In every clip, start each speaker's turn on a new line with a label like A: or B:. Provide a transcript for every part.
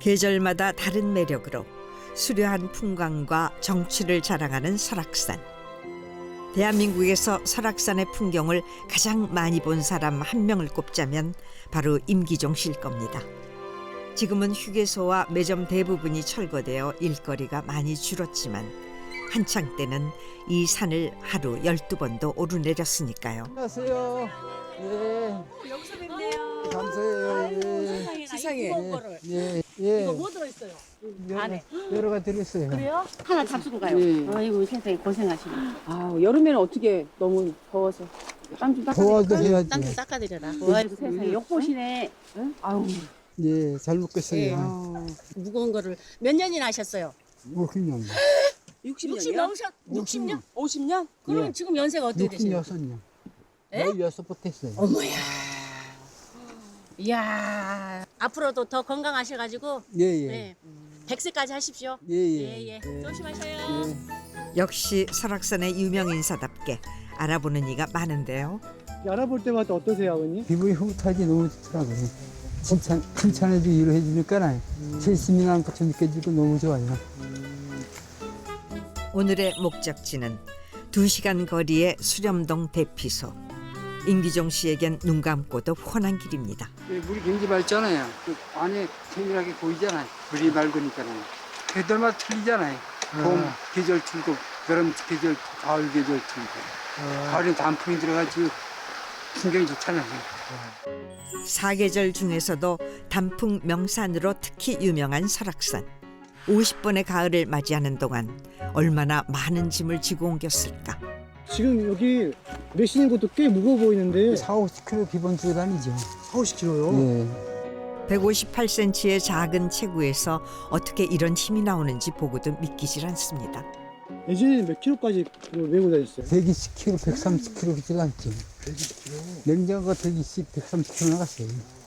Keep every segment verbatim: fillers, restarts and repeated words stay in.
A: 계절마다 다른 매력으로 수려한 풍광과 정취를 자랑하는 설악산. 대한민국에서 설악산의 풍경을 가장 많이 본 사람 한 명을 꼽자면 바로 임기종 씨일 겁니다. 지금은 휴게소와 매점 대부분이 철거되어 일거리가 많이 줄었지만 한창 때는 이 산을 하루 열두 번도 오르내렸으니까요.
B: 안녕하세요. 예.
C: 여기서 뵙네요.
B: 감사해요. 예.
C: 세상에. 무거운 거를.
B: 예. 예.
C: 이거 뭐 들어있어요?
B: 여러,
C: 안에.
B: 여러 가지 들었어요.
C: 그래요? 하나 잡수고 가요.
D: 예.
C: 아이고 세상에 고생하시네.
D: 아 여름에는 어떻게 너무 더워서 땀 좀
B: 도와도
D: 닦아드릴까요?
B: 해야지.
C: 땀좀 닦아드려라.
D: 아이고 세상에 욕보시네. 응? 아유.
B: 예, 잘 먹겠어요.
C: 예.
D: 아유.
C: 무거운 거를 몇 년이나 하셨어요?
B: 오십 년.
C: 육십
D: 육십
C: 넘으셨? 육십 년?
D: 오십 년?
C: 그럼
B: 예.
C: 지금 연세가 어떻게 되세요?
B: 육십육 년.
C: 예?
B: 열여섯부터 했어요.
C: 어머야. 이야. 앞으로도 더 건강하셔가지고
B: 예, 예.
C: 네. 백 세까지 하십시오.
B: 예, 예.
C: 예, 예. 조심하셔요.
B: 예.
A: 역시 설악산의 유명 인사답게 알아보는 이가 많은데요.
E: 알아볼 때마다 어떠세요, 아버님?
B: 기분이 흐뭇하지 너무 좋더라고요. 칭찬, 칭찬해주고 위로해주니까 실심이 나는 것처럼 느껴지고 너무 좋아요.
A: 오늘의 목적지는 두 시간 거리의 수렴동 대피소. 임기종 씨에겐 눈 감고도 훤한 길입니다.
B: 예, 물이 굉장히 맑잖아요. 그 안에 세밀하게 보이잖아요. 물이 맑으니까는. 계절마다 틀리잖아요. 봄 계절 틀고, 여름 계절, 가을 계절 틀고. 가을엔 단풍이 들어가지고 풍경이 좋잖아요.
A: 사계절 중에서도 단풍 명산으로 특히 유명한 설악산. 오십 번의 가을을 맞이하는 동안 얼마나 많은 짐을 지고 옮겼을까.
E: 지금 여기 내시는 것도 꽤 무거워 보이는데
B: 사오십 킬로미터 기본 주고 다니죠.
E: 사오십 킬로요?
B: 예.
A: 백오십팔 센티미터의 작은 체구에서 어떻게 이런 힘이 나오는지 보고도 믿기질 않습니다.
E: 예전에는 몇 킬로까지 메고 다녔어요?
B: 백이십 킬로미터, 백삼십 킬로미터 갔죠. 백이십 킬로미터? 냉장고가 백이십, 백삼십 킬로미터 나갔어요.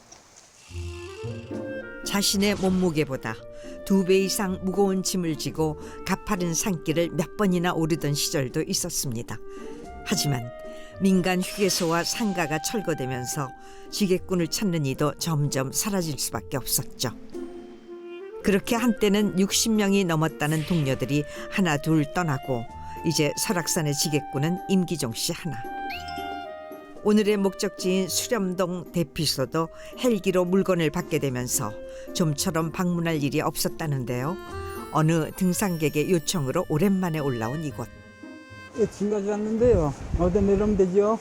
A: 자신의 몸무게보다 두 배 이상 무거운 짐을 지고 가파른 산길을 몇 번이나 오르던 시절도 있었습니다. 하지만 민간 휴게소와 상가가 철거되면서 지게꾼을 찾는 이도 점점 사라질 수밖에 없었죠. 그렇게 한때는 육십 명이 넘었다는 동료들이 하나 둘 떠나고 이제 설악산의 지게꾼은 임기종 씨 하나. 오늘의 목적지인 수렴동 대피소도 헬기로 물건을 받게 되면서 좀처럼 방문할 일이 없었다는데요. 어느 등산객의 요청으로 오랜만에 올라온 이곳.
B: 예, 짐 가져왔는데요. 어디다 내려오면 되죠?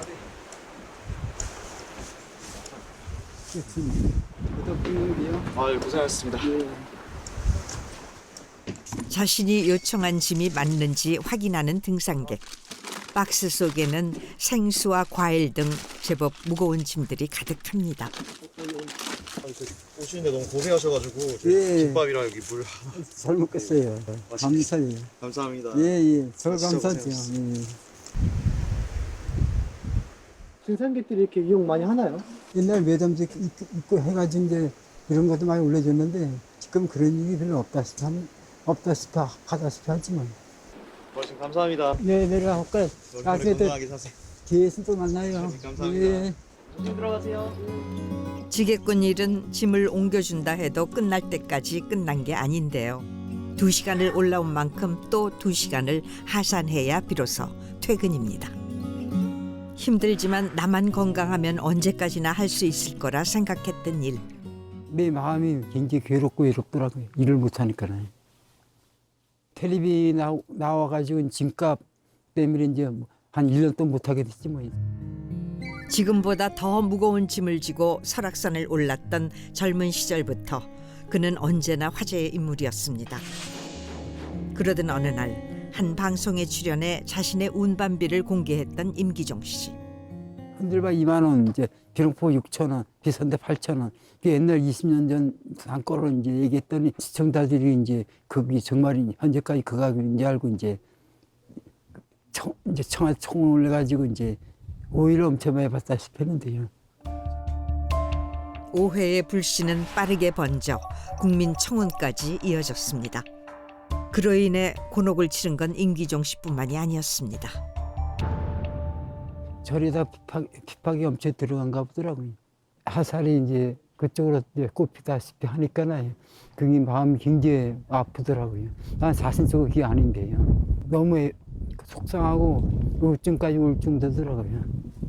B: 예, 짐. 어디다 뿌리면 돼요?
F: 아유 고생하셨습니다.
B: 예.
A: 자신이 요청한 짐이 맞는지 확인하는 등산객. 박스 속에는 생수와 과일 등 제법 무거운 짐들이 가득합니다.
F: 오시는데 너무 고생하셔가지고
B: 예.
F: 김밥이랑 여기 물
B: 잘 먹겠어요. 감사해요.
F: 감사합니다.
B: 예, 예. 저
F: 진짜
B: 감사죠.
F: 고생하셨습니다.
B: 예.
E: 등산객들이 이렇게 이용 많이 하나요?
B: 옛날 매점도 있고, 있고 해가지고 이제 이런 것도 많이 올려줬는데 지금 그런 일이 별로 없다시피, 한- 없다시피 하다시피 하지만.
F: 어르신 감사합니다.
B: 네, 내려가 볼까요? 나중에 또
F: 건강하게 사세요.
B: 뒤에서 또 만나요.
F: 감사합니다.
B: 예.
F: 들어가세요.
A: 지게꾼 일은 짐을 옮겨준다 해도 끝날 때까지 끝난 게 아닌데요. 두 시간을 올라온 만큼 또 두 시간을 하산해야 비로소 퇴근입니다. 힘들지만 나만 건강하면 언제까지나 할 수 있을 거라 생각했던 일.
B: 내 마음이 굉장히 괴롭고 외롭더라고요. 일을 못하니까요. 텔레비 나, 나와가지고 짐값 때문에 이제 한 일 년 동안 못하게 됐지 뭐.
A: 지금보다 더 무거운 짐을 지고 설악산을 올랐던 젊은 시절부터 그는 언제나 화제의 인물이었습니다. 그러던 어느 날 한 방송에 출연해 자신의 운반비를 공개했던 임기종 씨.
B: 흔들바 이만 원, 이제 기름포 육천 원, 비싼데 팔천 원. 그 옛날 이십 년 전 한거로 이제 얘기했더니 시청자들이 이제 그게 정말 현재까지 그 가격인지 알고 이제 청, 이제 청와 총을 해가지고 이제 오히려 엄청 많이 받다시피 했는데요.
A: 오해의 불씨는 빠르게 번져 국민 청원까지 이어졌습니다. 그로 인해 곤혹을 치른 건 임기종 씨뿐만이 아니었습니다.
B: 절에다 핍박, 핍박이 엄청 들어간가 보더라고요. 하살이 이제 그쪽으로 이제 꼽히다시피 하니까는 그게 마음이 굉장히 아프더라고요. 난 자신적으로 그게 아닌데요. 너무 애- 속상하고 우울증까지 우울증 되더라고요.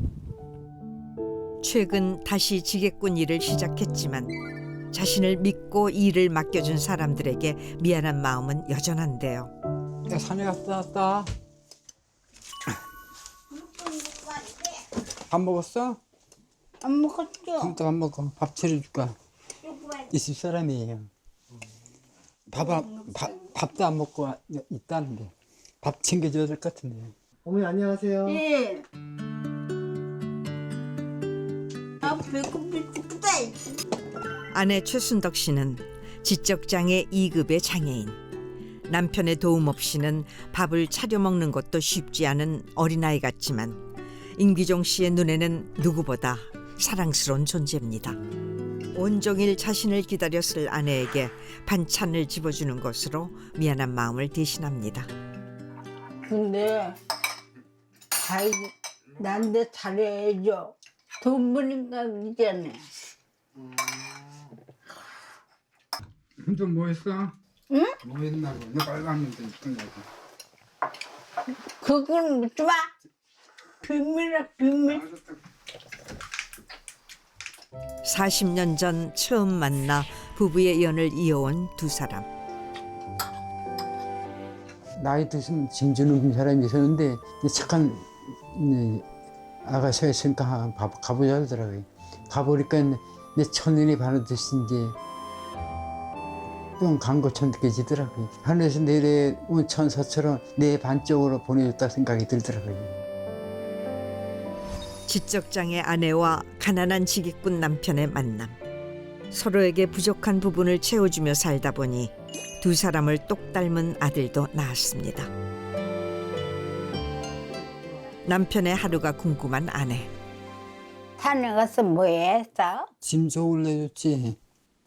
A: 최근 다시 지게꾼 일을 시작했지만 자신을 믿고 일을 맡겨준 사람들에게 미안한 마음은 여전한데요.
B: 야, 산에 갔다 왔다. 밥 먹었어?
G: 안 먹었죠?
B: 아무도 안 먹어. 밥 차려줄까? 이 집 사람이에요. 밥, 안- 밥, 밥도 안 먹고 와- 있다는데 밥 챙겨줘야 될 것 같은데.
E: 어머니 안녕하세요.
G: 예. 아, 배고프다.
A: 아내 최순덕 씨는 지적장애 이 급의 장애인. 남편의 도움 없이는 밥을 차려 먹는 것도 쉽지 않은 어린아이 같지만 임기종 씨의 눈에는 누구보다 사랑스러운 존재입니다. 온종일 자신을 기다렸을 아내에게 반찬을 집어주는 것으로 미안한 마음을 대신합니다.
G: 근데 잘 난데 잘해야죠. 돈 버니까 그러잖아.
B: 좀 뭐 했어?
G: 응?
B: 뭐 했나고? 너 빨간데 있던가고.
G: 그건 묻지 마. 비밀이야 비밀.
A: 사십 년 전 처음 만나 부부의 연을 이어온 두 사람.
B: 나이 드신 진주는 사람이 있었는데 착한 네, 아가씨가 있으니까 가- 가보자 하더라고요. 가보니까 내 첫눈이 반하듯이 이제 뿅간 것처럼 느껴지더라고요. 하늘에서 내려온 천사처럼 내 반쪽으로 보내줬다 생각이 들더라고요.
A: 지적장애 아내와 가난한 지게꾼 남편의 만남. 서로에게 부족한 부분을 채워주며 살다 보니 두 사람을 똑 닮은 아들도 낳았습니다. 남편의 하루가 궁금한 아내.
G: 산에 가서 뭐 했어?
B: 짐 좋을 내줬지.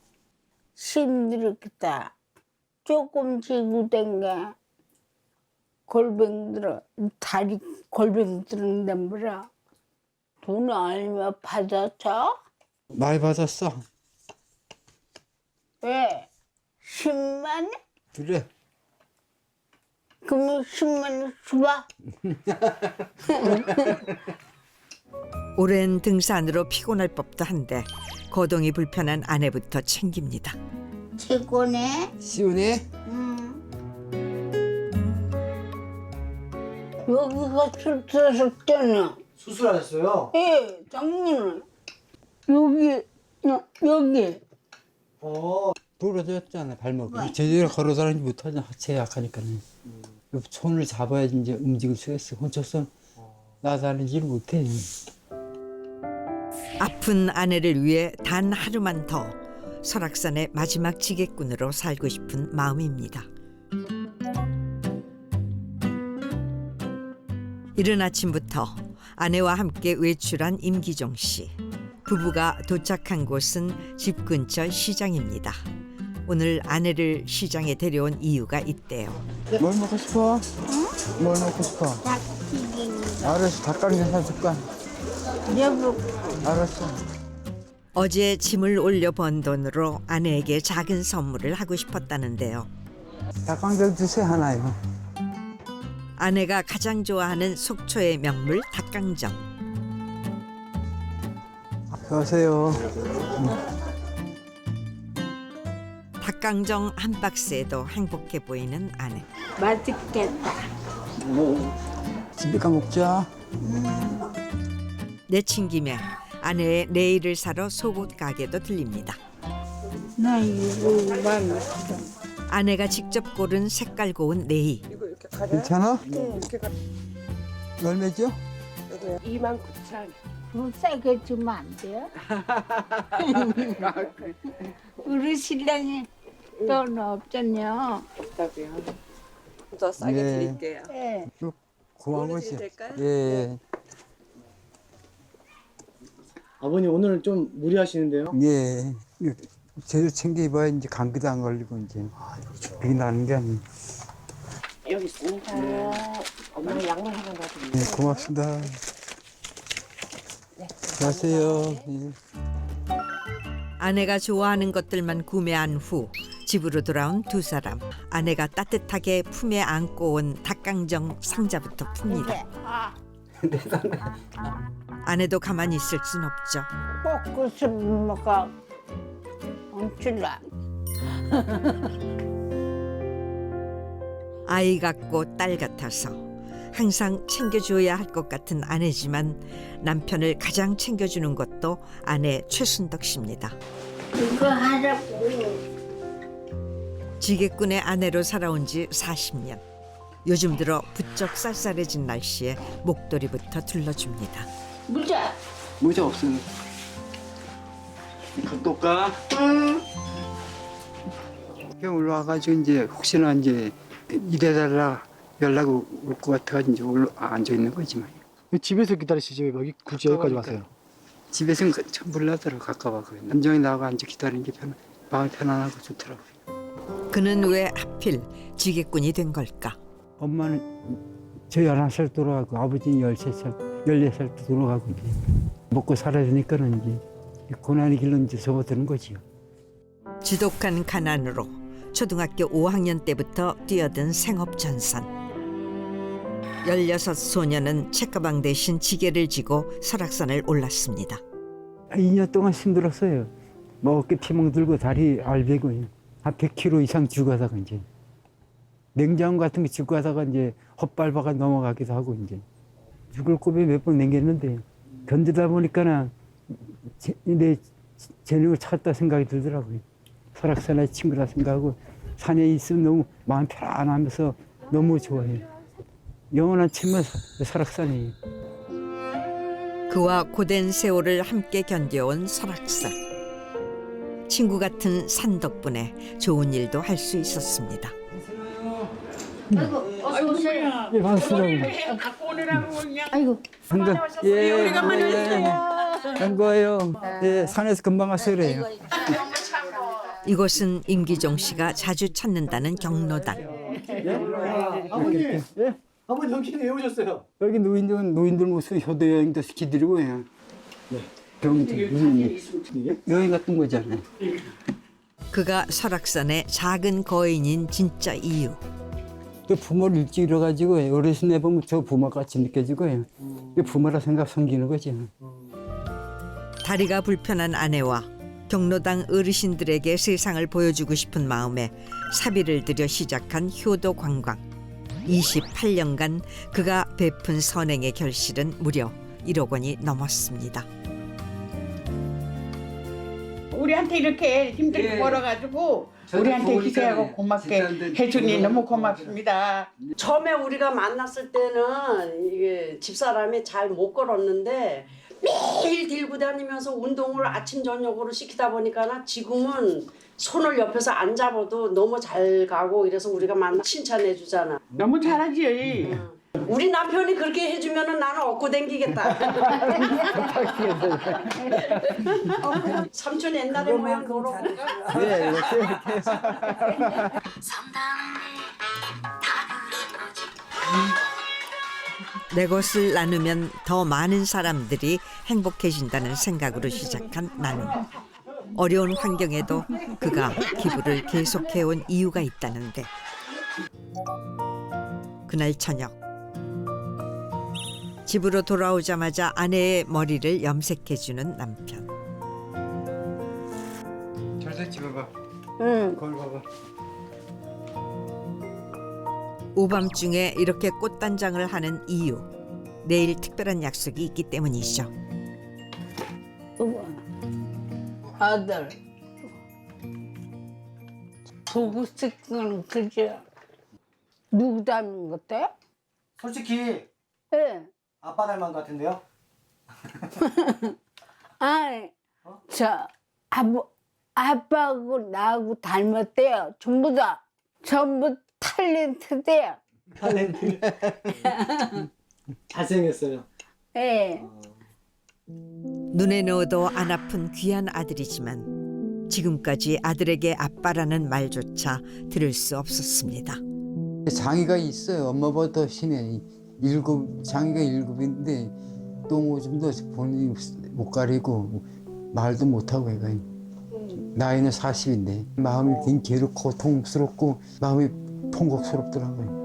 G: 힘들었겠다. 조금 지고 댕겨. 골병 들어. 다리 골병 들었는데 뭐라. 돈 얼마 받았어?
B: 많이 받았어.
G: 왜? 십만 원?
B: 그래.
G: 그러면 십만 원 줘봐.
A: 오랜 등산으로 피곤할 법도 한데 거동이 불편한 아내부터 챙깁니다.
G: 최고네.
B: 시원해?
G: 응. 여기가 출출했잖아.
E: 수술하셨어요?
G: 예, 장모는 여기, 여, 여기.
E: 어.
B: 부러졌잖아 발목이. 제대로 걸어 다니지 못하잖아. 하체 약하니까는. 손을 잡아야지 이제 움직일 수가 있어. 혼자서 나다니지를 못해.
A: 아픈 아내를 위해 단 하루만 더 설악산의 마지막 지게꾼으로 살고 싶은 마음입니다. 이른 아침부터 아내와 함께 외출한 임기종 씨. 부부가 도착한 곳은 집 근처 시장입니다. 오늘 아내를 시장에 데려온 이유가 있대요.
B: 뭘 먹고 싶어? 뭘 먹고 싶어?
G: 닭튀김.
B: 알았어. 닭강정 사줄까?
G: 여보,
B: 알았어.
A: 어제 짐을 올려 번 돈으로 아내에게 작은 선물을 하고 싶었다는데요.
B: 닭강정 주세요 하나요.
A: 아내가 가장 좋아하는 속초의 명물 닭강정.
B: 수고하세요.
A: 닭강정 한 박스에도 행복해 보이는 아내.
G: 맛있겠다.
B: 집에 가 먹자.
A: 내친김에 아내의 네일을 사러 속옷 가게도 들립니다.
G: 나 이거 맛있어.
A: 아내가 직접 고른 색깔 고운 네일.
B: 괜찮아? 얼마죠?
D: 이만 구천.
G: 좀 싸게 주면 안 돼요? 우리 신랑이 돈 없잖냐.
D: 없다고요. 더 싸게
B: 네.
D: 드릴게요.
G: 예.
B: 고마운
D: 어느
B: 것이.
D: 집 될까요?
B: 예,
E: 아버님 오늘 좀 무리하시는데요?
B: 예. 제대로 챙겨 입어야 이제 감기도 안 걸리고 이제 그게 나는 게 아니에요.
D: 여기 있습니다. 엄마 양말 하나 놔드릴게요.
B: 네, 고맙습니다.
D: 네.
B: 안녕하세요. 예.
A: 아내가 좋아하는 것들만 구매한 후 집으로 돌아온 두 사람. 아내가 따뜻하게 품에 안고 온 닭강정 상자부터 풉니다. 아내도 가만히 있을 순 없죠.
G: 볶고서 먹어. 엄청나.
A: 아이 같고 딸 같아서 항상 챙겨줘야 할 것 같은 아내지만 남편을 가장 챙겨주는 것도 아내 최순덕 씨입니다.
G: 이거 하라고.
A: 지게꾼의 아내로 살아온 지 사십 년. 요즘 들어 부쩍 쌀쌀해진 날씨에 목도리부터 둘러줍니다.
G: 무자.
B: 모자 없어요. 갖고 올까?
G: 응.
B: 이렇게 올라와가지고 이제 혹시나 이제 이래달라 연락 올 것 같아가지고 이제 올라 앉아 있는 거지만.
E: 집에서 기다리시지 왜 여기 굳이 여기까지 왔어요?
B: 집에서는 참 몰라더라고 가까워서 남정이 나가 앉아 기다리는 게 편, 마음이 편안하고 좋더라고요.
A: 그는 왜 하필 지게꾼이 된 걸까?
B: 엄마는 저 열한 살 돌아가고 아버지는 열세 살, 열네 살 때 돌아가고 이제 먹고 살아야 되니까는 이제 고난의 길로 이제 접어드는 거지요.
A: 지독한 가난으로 초등학교 오 학년 때부터 뛰어든 생업전선. 열여섯 소녀는 책가방 대신 지게를 지고 설악산을 올랐습니다.
B: 이 년 동안 힘들었어요. 뭐 어깨 피멍 들고 다리 알배고 한 백 킬로미터 이상 지고 가다가 이제 냉장고 같은 거 지고 가다가 이제 헛발바가 넘어가기도 하고 이제 죽을 고비 몇 번 남겼는데 견디다 보니까는 제, 내 재능을 찾았다 생각이 들더라고요. 설악산에 친구라 생각하고 산에 있으면 너무 마음 편안하면서 너무 좋아해요. 영원한 친구는 설악산이에요.
A: 그와 고된 세월을 함께 견뎌온 설악산. 친구 같은 산 덕분에 좋은 일도 할 수 있었습니다.
G: 아이고, 뭐야.
B: 예, 반갑습니다.
G: 갖고 오느라고 그냥.
D: 아이고.
B: 반가, 예, 오래간만에 왔어요. 반가워요. 예, 산에서 금방 왔어요, 그래요.
A: 이곳은 임기종 씨가 자주 찾는다는 경로당.
E: 아버님,
B: 예?
E: 아버님 여기 왜 오셨어요?
B: 여기 노인들, 노인들 모습 효도 여행도 시키드리고 해요. 네. 병들, 여행 같은 거잖아요.
A: 그가 설악산의 작은 거인인 진짜 이유.
B: 또 부모를 일찍 잃어가지고 어르신 해보면 저 부모같이 느껴지고 해요. 부모라 생각 섬기는 거지.
A: 다리가 불편한 아내와 경로당 어르신들에게 세상을 보여주고 싶은 마음에 사비를 들여 시작한 효도 관광. 이십팔 년간 그가 베푼 선행의 결실은 무려 일억 원이 넘었습니다.
G: 우리한테 이렇게 힘들게 벌어가지고 우리한테 희생하고 고맙게 해주니 너무 고맙습니다.
H: 처음에 우리가 만났을 때는 이게 집사람이 잘 못 걸었는데 매일 들고 다니면서 운동을 아침 저녁으로 시키다 보니까 지금은 손을 옆에서 안 잡아도 너무 잘 가고 이래서 우리가 만나 칭찬해 주잖아.
G: 너무 잘하지.
H: 우리 남편이 그렇게 해주면은 나는 얻고 댕기겠다. 삼촌 옛날에 모양 보러 갈까?
B: 네, 이렇게.
A: 내 것을 나누면 더 많은 사람들이 행복해진다는 생각으로 시작한 나눔. 어려운 환경에도 그가 기부를 계속해온 이유가 있다는데. 그날 저녁 집으로 돌아오자마자 아내의 머리를 염색해주는 남편.
B: 잘 됐지, 봐봐.
G: 응.
B: 거울 봐봐.
A: 오밤중에 이렇게 꽃단장을 하는 이유. 내일 특별한 약속이 있기 때문이죠.
G: 아들. 보고 싶은 그저 누구 닮은 것 같아?
E: 솔직히
G: 예.
E: 아빠 닮은 것 같은데요?
G: 아이, 저 아버 아빠하고 나하고 닮았대요. 전부 다 전부 탤런트대요.
E: 탤런트. 잘생겼어요.
G: 예.
A: 눈에 넣어도 안 아픈 귀한 아들이지만 지금까지 아들에게 아빠라는 말조차 들을 수 없었습니다.
B: 장애가 있어요. 엄마보다 더 심해. 일곱, 장애가 일곱인데 똥오줌도 본인이 못 가리고 말도 못하고 애가. 나이는 사십인데 마음이 굉장히 괴롭고 고통스럽고 마음이 통곡스럽더라고요.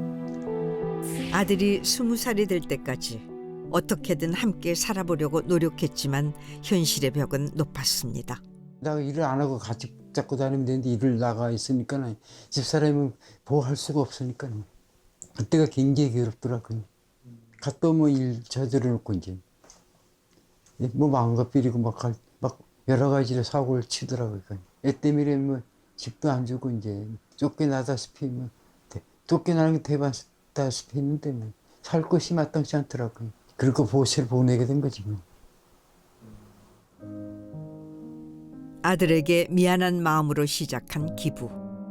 A: 아들이 스무 살이 될 때까지 어떻게든 함께 살아보려고 노력했지만 현실의 벽은 높았습니다.
B: 내가 일을 안 하고 같이 잡고 다니면 되는데 일을 나가 있으니까 집사람은 보호할 수가 없으니까 그때가 굉장히 괴롭더라고요. 갔다 오면 일 저지러 놓고 이제 뭐 마음과 비리고 막, 할- 막 여러 가지로 사고를 치더라고요. 애 때문에 뭐 집도 안 주고 이제 쫓겨나다시피 뭐 대- 쫓겨나는 게 대박다시피 했는데 뭐 살 곳이 마땅치 않더라고요. 그리고 보호소를 보내게 된 거지 뭐.
A: 아들에게 미안한 마음으로 시작한 기부.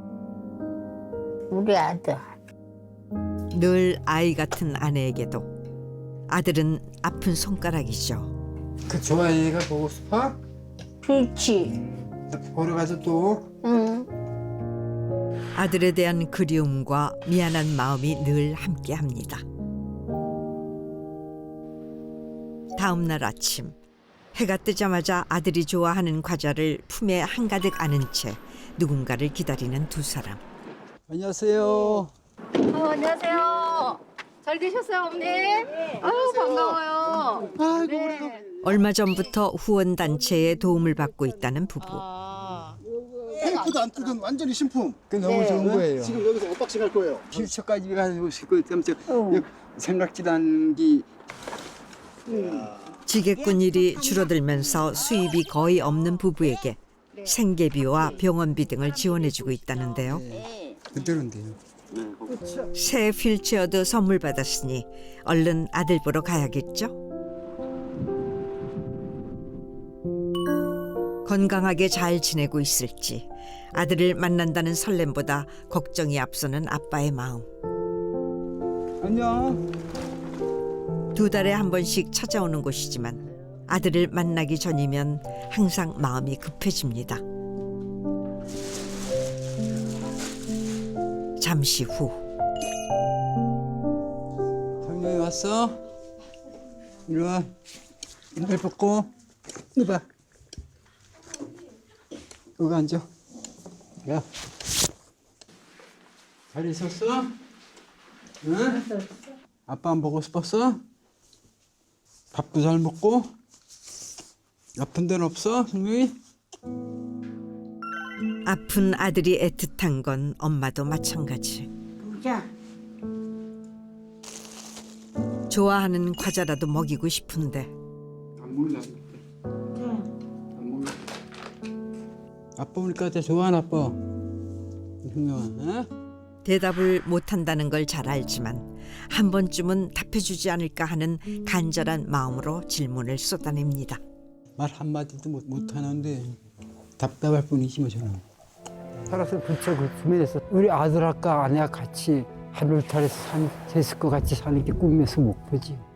G: 우리 아들.
A: 늘 아이 같은 아내에게도 아들은 아픈 손가락이죠.
B: 그 좋아해 애가 보고 싶어?
G: 그렇지.
B: 보러 가서 또
G: 응.
A: 아들에 대한 그리움과 미안한 마음이 늘 함께합니다. 다음 날 아침 해가 뜨자마자 아들이 좋아하는 과자를 품에 한가득 안은 채 누군가를 기다리는 두 사람.
B: 안녕하세요.
I: 어, 안녕하세요. 잘 계셨어요, 어머니? 아유, 반가워요. 네.
A: 얼마 전부터 후원 단체의 도움을 받고 있다는 부부.
E: 테이프도 안 뜯은 완전히 신품.
B: 그 너무
I: 네.
B: 좋은 거예요.
E: 지금 여기서 언박싱 할 거예요.
B: 필처까지 가지고 싶고 깜짝 생각지도 않은 게
A: 지게꾼 일이 줄어들면서 수입이 거의 없는 부부에게 생계비와 병원비 등을 지원해주고 있다는데요.
B: 그대로인데요.
A: 새 휠체어도 선물 받았으니 얼른 아들 보러 가야겠죠? 건강하게 잘 지내고 있을지 아들을 만난다는 설렘보다 걱정이 앞서는 아빠의 마음.
B: 안녕.
A: 두 달에 한 번씩 찾아오는 곳이지만 아들을 만나기 전이면 항상 마음이 급해집니다. 잠시 후
B: 정영이 왔어? 이리 와. 이발 벗고 이리 봐. 여기 앉아. 야. 잘 있었어? 응? 아빠 안 보고 싶었어? 밥도 잘 먹고? 아픈 데는 없어, 정영이?
A: 아픈 아들이 애틋한 건 엄마도 마찬가지.
G: 보자.
A: 좋아하는 과자라도 먹이고 싶은데
B: 안 먹나? 안 먹나? 아빠 오니까 진짜 좋아하나 아빠. 정영아, 어?
A: 대답을 못한다는 걸 잘 알지만 한 번쯤은 답해주지 않을까 하는 간절한 마음으로 질문을 쏟아냅니다.
B: 말 한마디도 못, 못하는데 답답할 뿐이지 뭐 저는. 살아서 부처 그 꿈에서 우리 아들아까 아내와 같이 하늘탈에서 산 제스코 같이 사는 게 꿈에서 목표지.